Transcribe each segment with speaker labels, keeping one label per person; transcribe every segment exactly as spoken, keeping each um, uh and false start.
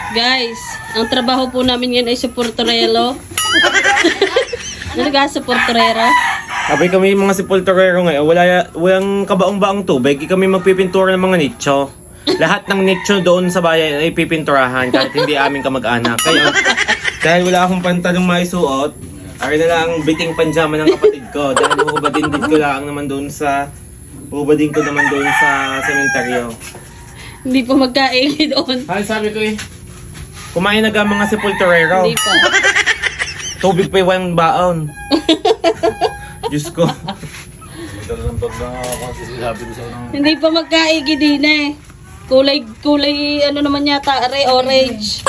Speaker 1: Guys, ang trabaho po namin ngayon ay sa Portorelo. Ano ka sa Portorero?
Speaker 2: Sabi kami mga sepulturero ngayon, wala, walang kabaong-baong tubig, kami magpipintura ng mga nicho. Lahat ng nicho doon sa bayan ay pipinturahan kahit hindi aming kamag-anak. Kaya, dahil wala akong pantalong maisuot, ay na lang biting panjama ng kapatid ko. Dahil ubadin din ko lang naman doon sa, ubadin ko naman doon sa sementeryo.
Speaker 1: Hindi po magkaigi doon.
Speaker 2: Ay, sabi ko eh, kumain na ka mga sepulturero.
Speaker 1: Hindi po.
Speaker 2: Tubig pa yung baon. Diyos ko.
Speaker 1: Hindi pa magkaigi din eh. Kulay, kulay, ano naman yata, re, orange.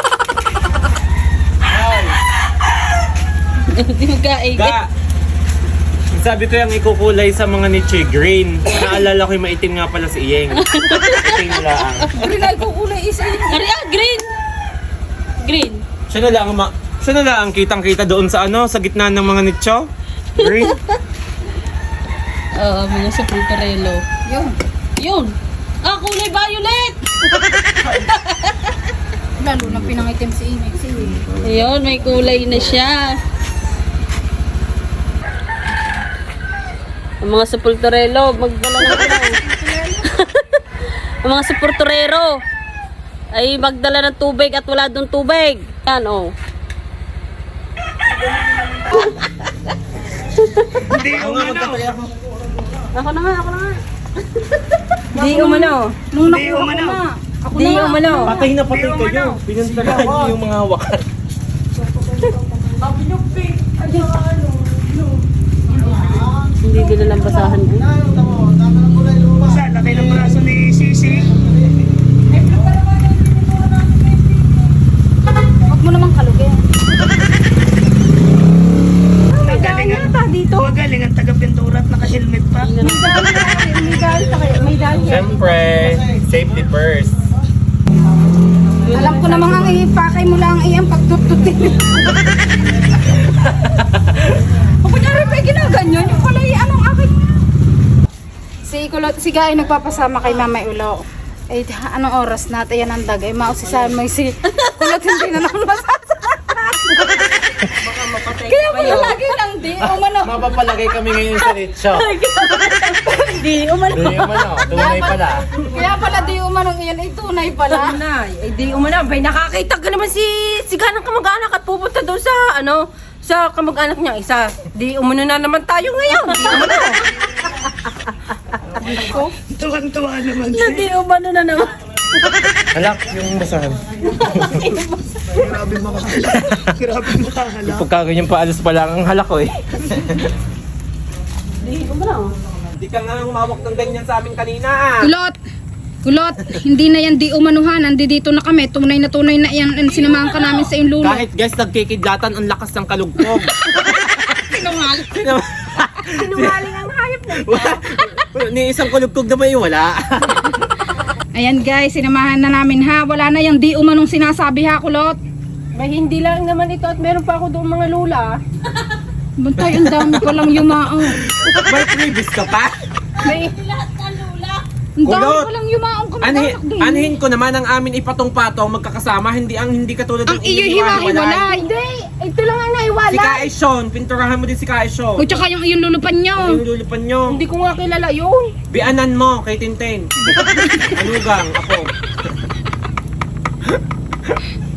Speaker 1: Hindi magkaigi.
Speaker 2: Ga! Sabi ko yung ikukulay sa mga niche green. Naalala ko yung maitim nga pala si Iyeng. Itim lang.
Speaker 3: Green ay kukulay isa yun.
Speaker 1: Ari, ah, green! Green.
Speaker 2: Siya na lang, ma- siya na lang kitang-kita doon sa ano, sa gitna ng mga nicho. Green.
Speaker 1: Oo, mga sa Portorelo.
Speaker 3: Yun.
Speaker 1: Yun! Ah, kulay violet!
Speaker 3: Lalo na pinangitim si Imig. Si
Speaker 1: Ayun, may kulay na siya. Ang mga sa Portorelo, magdala ng ano. Ang mga sa Portorero ay magdala ng tubig at wala doon tubig. Yan, oh.
Speaker 2: Hindi ako nga magtatay ako.
Speaker 1: Ako na nga, ako na nga.
Speaker 4: Di umano.
Speaker 3: Nung nakuha ko na. Ako
Speaker 4: Di
Speaker 3: na nga.
Speaker 4: umano.
Speaker 2: Patay na patay kayo. Pinuntahan niyo yung mga wakan.
Speaker 1: Hindi din lang basahan ko.
Speaker 5: Sa laki ng braso ni Sisi.
Speaker 3: Huwag mo namang kalugin.
Speaker 5: Magaling ang dito. Magaling ang taga-pintura at naka-helmet pa.
Speaker 3: May dahil sa kayo. May dahil yan.
Speaker 2: Siyempre, safety first.
Speaker 3: Alam ko namang ang ipakay mo lang iyang pagtututin. O kunyari pa ginaganyan, yung pala yung anong akin. Si Kulot, si Guy nagpapasama kay Mama Ulo. Eh, anong oras na? Yan ang dagay. Mausisahan mo yung si Kulot, hindi na naman masasama. Kaya pala lagi lang di. Umano.
Speaker 2: Mapapalagay kami ngayon sa nicho.
Speaker 1: Hindi, umano.
Speaker 2: Hindi yung ano, tunay pala.
Speaker 3: Kaya pala di umanong iyan. Ay, tunay pala.
Speaker 4: Nay, eh di umano. Bay, nakakita ka naman si si ganang kamag-anak at pupunta doon sa ano, sa kamag-anak niya isa. Di umano na naman tayo ngayon. Di umano.
Speaker 5: Tuwang-tuwa naman
Speaker 1: Hindi, umano na naman.
Speaker 2: Halak yung basahan.
Speaker 5: Grabe makahala. Grabe makahala.
Speaker 2: Pagka ganyan paalas pa lang ang halak ko eh.
Speaker 1: Hindi, umano.
Speaker 2: Hindi ka nga umawak ng ganyan sa amin kanina ah.
Speaker 3: Kulot! Kulot! Hindi na yan di umanuhan. Andi dito na kami. Tunay na tunay na yan. Ang sinamahan ka namin sa iyong lulo.
Speaker 2: Kahit guys, nagkikidlatan ang lakas ng kalugkog.
Speaker 3: Sinungaling.
Speaker 2: Sinama-
Speaker 4: Sinungaling ang hayop na.
Speaker 2: Ni isang kalugkog na may wala.
Speaker 3: Ayan guys, sinamahan na namin ha. Wala na yung di umanong sinasabi ha, Kulot.
Speaker 4: Bay, hindi lang naman ito at meron pa ako doon mga lula.
Speaker 3: Bantay, ang dami ko lang yumao.
Speaker 2: May previous ka pa?
Speaker 3: May... Ang dami
Speaker 2: Kulot.
Speaker 3: ko lang yumaong
Speaker 2: Anhi,
Speaker 3: kamag-anak din.
Speaker 2: anhin ko naman ang amin ipatong-patong magkakasama, hindi ang hindi katulad
Speaker 3: Ang
Speaker 2: ng
Speaker 3: iyo
Speaker 2: inyong
Speaker 3: hiwa-hiwalay.
Speaker 4: Hindi, ito lang ang
Speaker 2: Si
Speaker 4: naiwala.
Speaker 2: Kaishon, pinturahan mo din si Kaishon.
Speaker 3: O tsaka yung iyong lulupan nyo.
Speaker 2: Yung lulupan nyo.
Speaker 4: Hindi ko nga kilala yun.
Speaker 2: Bianan mo kay Tintin. Anugang, ako.